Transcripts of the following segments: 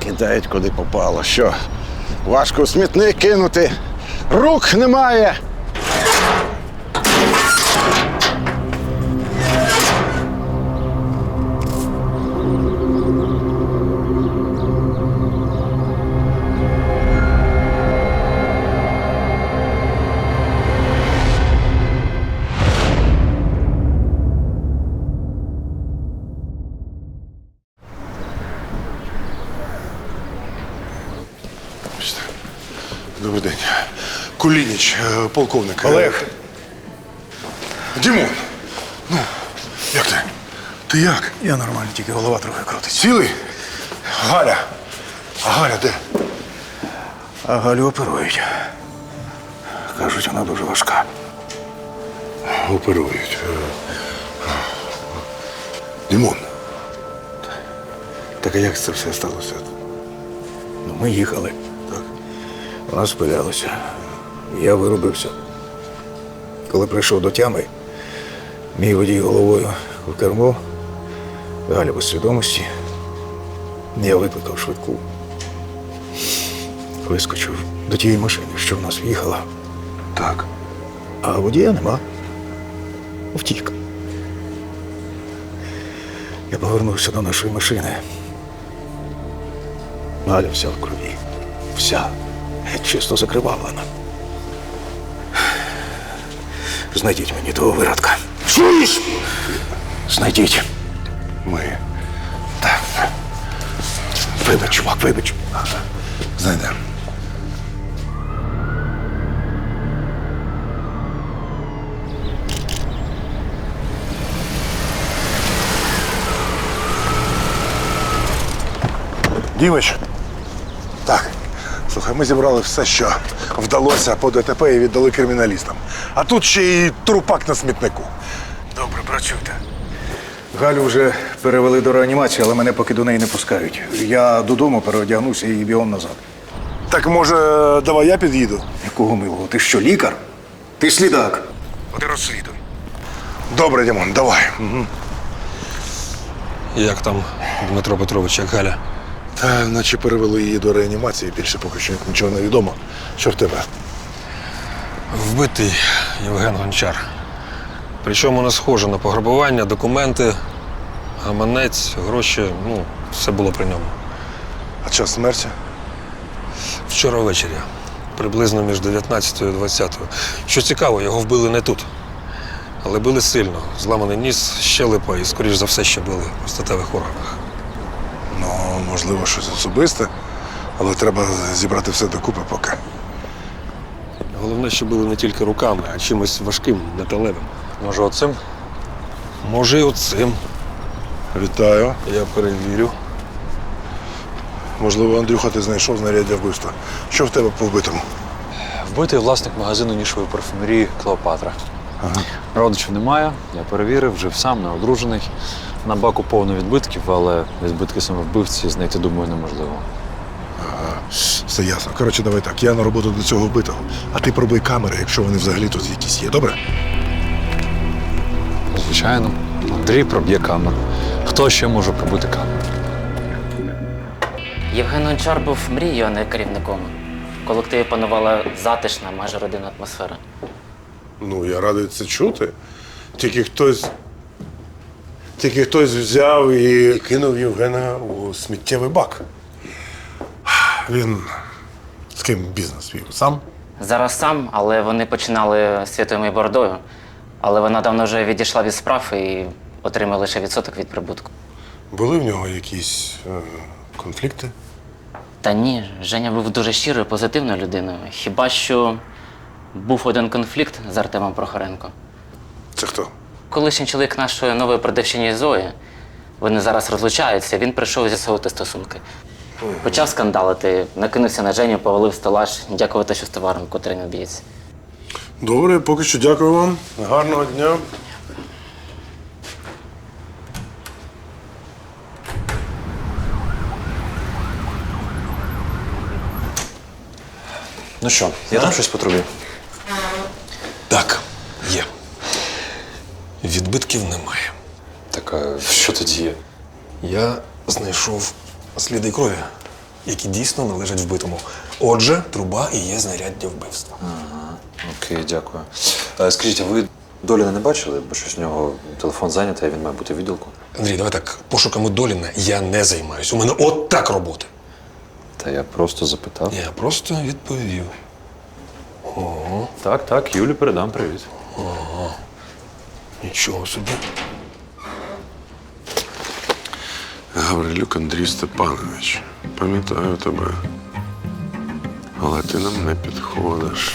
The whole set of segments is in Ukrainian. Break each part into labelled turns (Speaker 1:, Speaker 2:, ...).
Speaker 1: кидають куди попало. Що? Важко в смітник кинути. Рук немає.
Speaker 2: Добрий день. Кулініч, полковник.
Speaker 3: Олег.
Speaker 2: Дімон, ну, як ти? Ти як?
Speaker 3: Я нормально, тільки голова трохи крутиться.
Speaker 2: Цілий? Галя. А Галя де?
Speaker 3: А Галю оперують. Кажуть, вона дуже важка.
Speaker 2: Оперують. Дімон. Так а як це все сталося?
Speaker 3: Ну, ми їхали.
Speaker 2: Так.
Speaker 3: Вона спилялася. Я вирубився. Коли прийшов до тями, мій водій головою в кермо, Галя без свідомості. Я викликав швидку. Вискочив до тієї машини, що в нас в'їхала.
Speaker 2: Так.
Speaker 3: А водія нема. Втік. Я повернувся до нашої машини. Галя вся в крові. Вся. Геть чисто закривавлена. Знайдіть мені того виродка.
Speaker 2: Чуєш?
Speaker 3: Знайдіть.
Speaker 2: Ми.
Speaker 3: Так. Вибач, чувак, вибач.
Speaker 2: Знайдемо. Дімич. Так. Слухай, ми зібрали все, що вдалося по ДТП і віддали криміналістам. А тут ще й трупак на смітнику.
Speaker 3: Добре, працюйте. Галю вже перевели до реанімації, але мене поки до неї не пускають. Я додому переодягнуся і бігом назад.
Speaker 2: Так, може, давай я під'їду?
Speaker 3: Якого милого? Ти що, лікар? Ти слідак. От і розслідуй.
Speaker 2: Добре, Дімон, давай.
Speaker 4: Як там, Дмитро Петрович, як Галя?
Speaker 2: Та наче перевели її до реанімації, більше поки що нічого не відомо. Що в тебе?
Speaker 4: Вбитий Євген Гончар. Причому не схоже на пограбування, документи, гаманець, гроші, все було при ньому.
Speaker 2: А час смерті?
Speaker 4: Вчора ввечері, приблизно між 19 і 20. Що цікаво, його вбили не тут. Але били сильно. Зламаний ніс, щелепа і, скоріш за все, ще били у статевих органах.
Speaker 2: Ну, можливо, щось особисте, але треба зібрати все докупи поки.
Speaker 4: Головне, що били не тільки руками, а чимось важким, металевим.
Speaker 5: Може, оцим?
Speaker 4: Може, і оцим.
Speaker 2: Вітаю.
Speaker 4: Я перевірю.
Speaker 2: Можливо, Андрюха, ти знайшов знаряддя вбивства. Що в тебе по вбитому?
Speaker 5: Вбитий власник магазину нішової парфумерії «Клеопатра». Родичів немає, я перевірив, жив сам, не одружений. На баку повно відбитків, але відбитки саме вбивці знайти, думаю, неможливо.
Speaker 2: Все ясно. Коротше, давай так, я на роботу до цього вбитого. А ти пробуй камери, якщо вони взагалі тут якісь є, добре?
Speaker 5: Звичайно, Андрій проб'є камеру. Хто ще може пробити камеру?
Speaker 6: Євген Гончар був мрією, а не керівником. В колективі панувала затишна, майже родинна атмосфера.
Speaker 2: Ну, я радий це чути. Тільки хтось взяв і кинув Євгена у сміттєвий бак. Він з ким бізнес вів? Сам?
Speaker 6: Зараз сам, але вони починали з Святою Бородою. Але вона давно вже відійшла від справ і отримала лише відсоток від прибутку.
Speaker 2: Були в нього якісь конфлікти?
Speaker 6: Та ні, Женя був дуже щирою, позитивною людиною. Хіба що був один конфлікт з Артемом Прохоренко.
Speaker 2: Це хто?
Speaker 6: Колишній чоловік нашої нової продавчині Зої. Вони зараз розлучаються, він прийшов з'ясовувати стосунки. Почав скандалити, накинувся на Женю, повалив стелаж, дякувати, що з товаром, котрий не б'ється.
Speaker 2: Добре, поки що дякую вам. Гарного дня.
Speaker 5: Ну що, є там щось по трубі?
Speaker 4: Так, є. Відбитків немає.
Speaker 5: Так, а що тоді є?
Speaker 4: Я знайшов сліди крові. які дійсно належать вбитому. Отже, труба і є знаряддя вбивства.
Speaker 5: Окей, дякую. Скажіть, а ви Доліна не бачили? Бо щось у нього телефон зайнятий, а він має бути в відділку.
Speaker 4: Андрій, давай так, пошуками Доліна я не займаюсь. У мене от так роботи.
Speaker 5: Та я просто запитав.
Speaker 4: Я просто відповів.
Speaker 5: Так, Юлі передам привіт.
Speaker 4: Нічого собі.
Speaker 1: Гаврилюк Андрій Степанович, пам'ятаю тебе. Але ти нам не підходиш.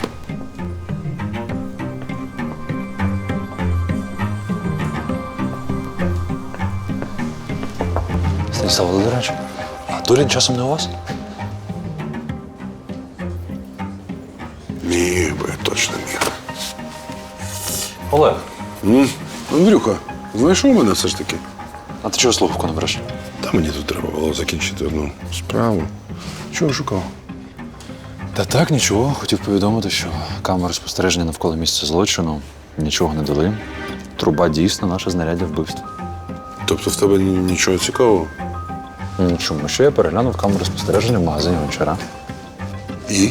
Speaker 5: Станіслав Володимирович, а Долін часом не у вас?
Speaker 1: Міг би, точно міг.
Speaker 5: Олег,
Speaker 1: Андрюха, знайшов мене все ж таки?
Speaker 5: а ти чого слухавку не береш?
Speaker 1: Та мені тут треба було закінчити одну справу. Чого шукав?
Speaker 5: Та так, нічого. Хотів повідомити, що камери спостереження навколо місця злочину нічого не дали. Труба дійсно наше знаряддя вбивства.
Speaker 1: Тобто в тебе нічого цікавого?
Speaker 5: Чому? Що я переглянув камеру спостереження в магазині Гончара.
Speaker 1: І?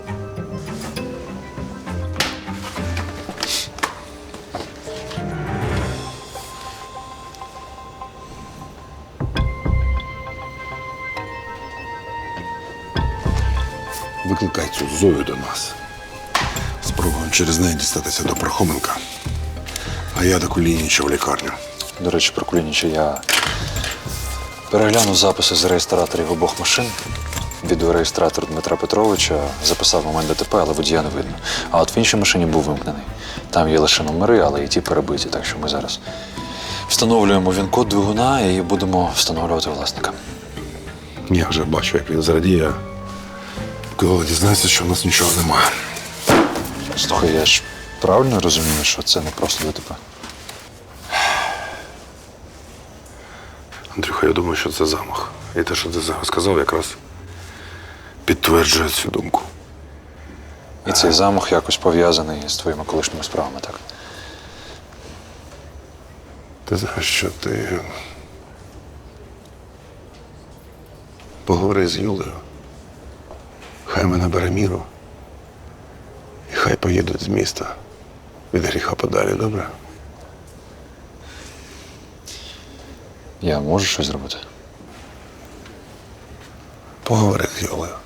Speaker 1: Викликай цю Зою до нас. Спробуємо через неї дістатися до Пархоменка. А я до Кулініча в лікарню.
Speaker 5: До речі, про Кулініча я переглянув записи з реєстраторів обох машин. Відеореєстратор Дмитра Петровича записав момент ДТП, але водія не видно. А от в іншій машині був вимкнений. Там є лише номери, але і ті перебиті, так що ми зараз встановлюємо він-код двигуна і будемо встановлювати власника.
Speaker 1: Я вже бачу, як він зрадіє, коли дізнається, що в нас нічого немає.
Speaker 5: Слухай, я ж правильно розумію, що це не просто ДТП?
Speaker 1: Андрюха, я думаю, що це замах. І те, що ти зараз сказав, якраз підтверджує цю думку.
Speaker 5: І цей замах якось пов'язаний з твоїми колишніми справами, так?
Speaker 1: Ти знаєш, що ти поговори з Юлею. Хай мене бере міру. І хай поїдуть з міста від гріха подалі, добре?
Speaker 5: Я можу щось зробити?
Speaker 1: Поговори з Юлею.